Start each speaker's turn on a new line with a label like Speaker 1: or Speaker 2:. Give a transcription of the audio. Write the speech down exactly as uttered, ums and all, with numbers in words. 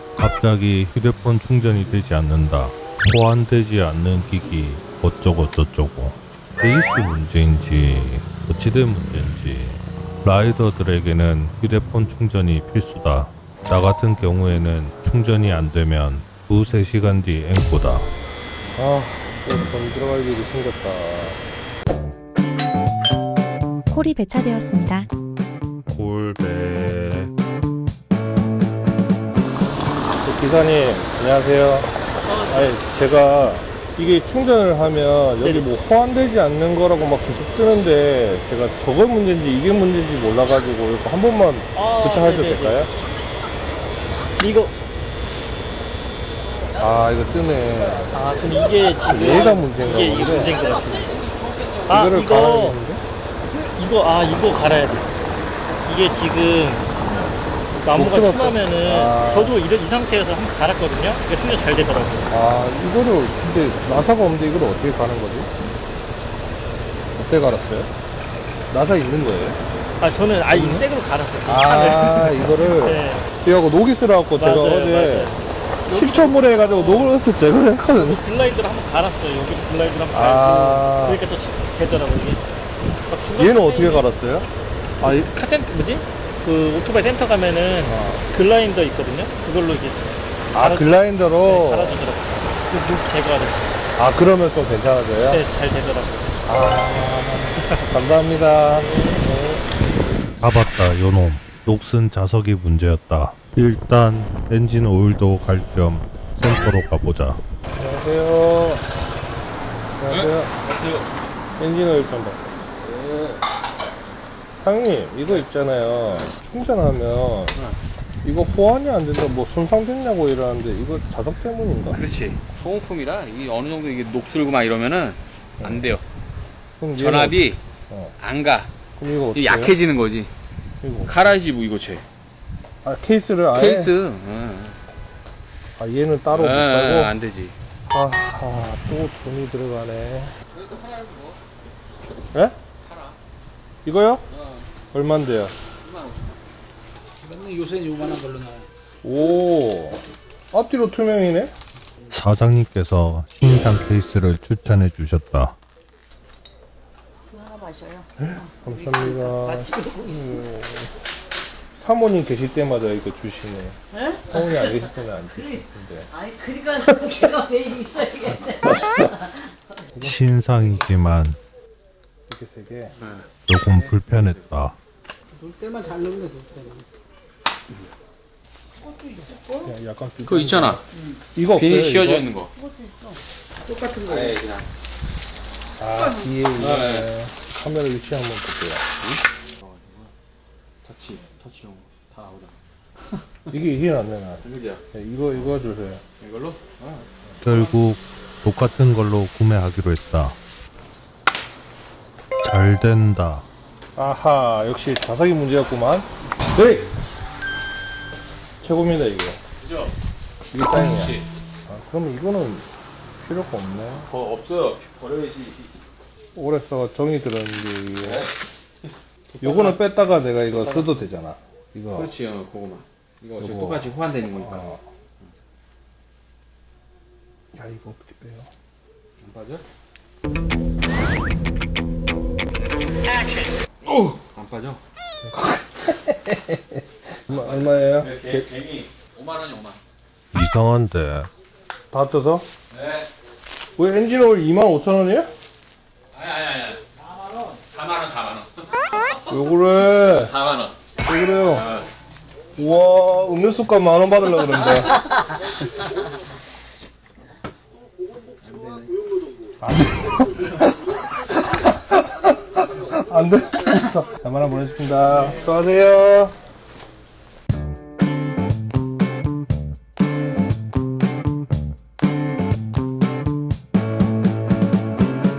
Speaker 1: 갑자기 휴대폰 충전이 되지 않는다. 호환되지 않는 기기 어쩌고 저쩌고. 케이스 문제인지 어찌된 문제인지 라이더들에게는 휴대폰 충전이 필수다. 나 같은 경우에는 충전이 안 되면 두세 시간 뒤 앵꼬다.
Speaker 2: 아, 돈 들어갈 일이 생겼다.
Speaker 3: 콜이 배차되었습니다.
Speaker 1: 골배.
Speaker 2: 기사님, 안녕하세요. 아니, 제가 이게 충전을 하면 여기 뭐 호환되지 않는 거라고 막 계속 뜨는데 제가 저거 문제인지 이게 문제인지 몰라가지고 이거 한 번만
Speaker 4: 아,
Speaker 2: 교체해도
Speaker 4: 네네네.
Speaker 2: 될까요?
Speaker 4: 이거
Speaker 2: 아, 이거 뜨네.
Speaker 4: 아 그럼 이게 지금
Speaker 2: 얘가 문제인가
Speaker 4: 이게 이게
Speaker 2: 본데?
Speaker 4: 문제인 것 같은데. 아
Speaker 2: 이거를
Speaker 4: 이거
Speaker 2: 갈아야겠는데?
Speaker 4: 이거 아 이거 갈아야 돼. 이게 지금 나무가
Speaker 2: 녹슬었어.
Speaker 4: 심하면은
Speaker 2: 아.
Speaker 4: 저도 이런 이 상태에서 한번 갈았거든요. 이게 충전 잘 되더라고요.
Speaker 2: 아, 이거를 근데 나사가 없는데 이걸 어떻게 가는 거지? 어떻게 갈았어요? 나사 있는 거예요?
Speaker 4: 아 저는 아예 새 거로 갈았어요. 그
Speaker 2: 아,
Speaker 4: 차를.
Speaker 2: 이거를
Speaker 4: 네.
Speaker 2: 이거 녹이 들어갖고 제가
Speaker 4: 맞아요,
Speaker 2: 어제
Speaker 4: 맞아요.
Speaker 2: 식초물에 해가지고 녹을 넣어서 제거를 했거든요.
Speaker 4: 글라이드를 한번 갈았어요. 여기 글라이드를 한번
Speaker 2: 아.
Speaker 4: 갈고 그러니까 또 되더라고요. 이게 막 중간
Speaker 2: 얘는
Speaker 4: 중간에
Speaker 2: 어떻게 갈았어요? 아, 이,
Speaker 4: 카센 뭐지? 그 오토바이 센터 가면은
Speaker 2: 아.
Speaker 4: 글라인더 있거든요. 그걸로 이제
Speaker 2: 아
Speaker 4: 갈아-
Speaker 2: 글라인더로?
Speaker 4: 네, 갈아주더라고요. 그묵 제거하듯이.
Speaker 2: 아, 그러면 좀 괜찮아져요?
Speaker 4: 네, 잘 되더라고요.
Speaker 2: 아, 감사합니다.
Speaker 1: 잡았다 요놈. 녹슨 자석이 문제였다. 일단 엔진 오일도 갈 겸 센터로 가보자.
Speaker 2: 안녕하세요. 안녕하세요. 엔진 오일 좀 봐. 사장님, 이거 있잖아요. 충전하면 이거 호환이 안 된다, 뭐 손상됐냐고 이러는데 이거 자석 때문인가?
Speaker 5: 그렇지. 소모품이라 이게 어느 정도 이게 녹슬고 막 이러면은 안 돼요.
Speaker 2: 그럼 얘는
Speaker 5: 전압이
Speaker 2: 어.
Speaker 5: 안 가.
Speaker 2: 그럼 이거 어떻게
Speaker 5: 이게 약해지는 거지.
Speaker 2: 이거.
Speaker 5: 갈아야지 뭐 이거 쟤.
Speaker 2: 아, 케이스를 아예?
Speaker 5: 케이스. 응.
Speaker 2: 아, 얘는 따로 못
Speaker 5: 응,
Speaker 2: 깔고?
Speaker 5: 안 되지.
Speaker 2: 아, 아, 또 돈이 들어가네.
Speaker 5: 저희도 하나 뭐
Speaker 2: 예?
Speaker 5: 하나.
Speaker 2: 이거요?
Speaker 5: 어,
Speaker 2: 얼만데요?
Speaker 5: 이만 오천 원. 맨날 요새 요만한 걸로 나와요.
Speaker 2: 오, 앞뒤로 투명이네?
Speaker 1: 사장님께서 신상 케이스를 추천해 주셨다.
Speaker 6: 하나 마셔요.
Speaker 2: 감사합니다.
Speaker 6: 마치 그러고 있어.
Speaker 2: 음, 사모님 계실 때마다 이거 주시네.
Speaker 6: 에?
Speaker 2: 사모님 안 계실 때는 안 주시는데.
Speaker 6: 아니 그러니까 내가 왜 있어야겠네.
Speaker 1: 신상이지만
Speaker 2: 이렇게 세 개.
Speaker 1: 조금 불편했다.
Speaker 7: 놀 때만 잘 넣으면 돼, 놀 때만.
Speaker 2: 그냥 약간
Speaker 5: 그거 있잖아.
Speaker 2: 이거 없어요?
Speaker 5: 비닐 씌워져
Speaker 2: 이거?
Speaker 5: 있는 거.
Speaker 7: 똑같은 거.
Speaker 5: 네, 그냥.
Speaker 2: 아, 뒤에 이거.
Speaker 5: 네.
Speaker 2: 카메라 위치 한번 볼게요.
Speaker 5: 터치, 터치용 다 나오잖아.
Speaker 2: 이게, 이게 낫네, 나.
Speaker 5: 그죠?
Speaker 2: 네, 이거, 이거 주세요.
Speaker 5: 이걸로? 어.
Speaker 1: 결국 똑같은 걸로 구매하기로 했다. 잘 된다.
Speaker 2: 아하, 역시 자석이 문제였구만. 네! 최고입니다, 이거.
Speaker 5: 그죠?
Speaker 2: 이게 짱이야.
Speaker 5: 그렇지.
Speaker 2: 아, 그러면 이거는 필요가 없네.
Speaker 5: 더 없어요. 버려야지.
Speaker 2: 오래 써가 정이 들었는데, 이게. 요거는 뺐다가 내가 이거 써도 되잖아. 이거.
Speaker 5: 그렇지, 어, 그거만. 이거 어차피
Speaker 2: 요거.
Speaker 5: 똑같이 호환되는 거니까.
Speaker 2: 어. 야, 이거 어떻게 빼요?
Speaker 5: 안 빠져? 오! 안 빠져?
Speaker 2: 얼마, 얼마예요?
Speaker 5: 개, 갱이 오만 원이 오만.
Speaker 1: 이상한데
Speaker 2: 다 떠서?
Speaker 5: 네.
Speaker 2: 왜 엔진 오일 이만 오천 원이에요?
Speaker 5: 아니, 아니, 아니. 사만 원. 사만 원, 사만 원.
Speaker 2: 왜 그래?
Speaker 5: 사만 원.
Speaker 2: 왜 그래요?
Speaker 5: 어.
Speaker 2: 우와, 음료수값 만 원 받으려고 그러는데. 안 돼. 안 돼. 자, 만 원 보내십니다. 수고하세요.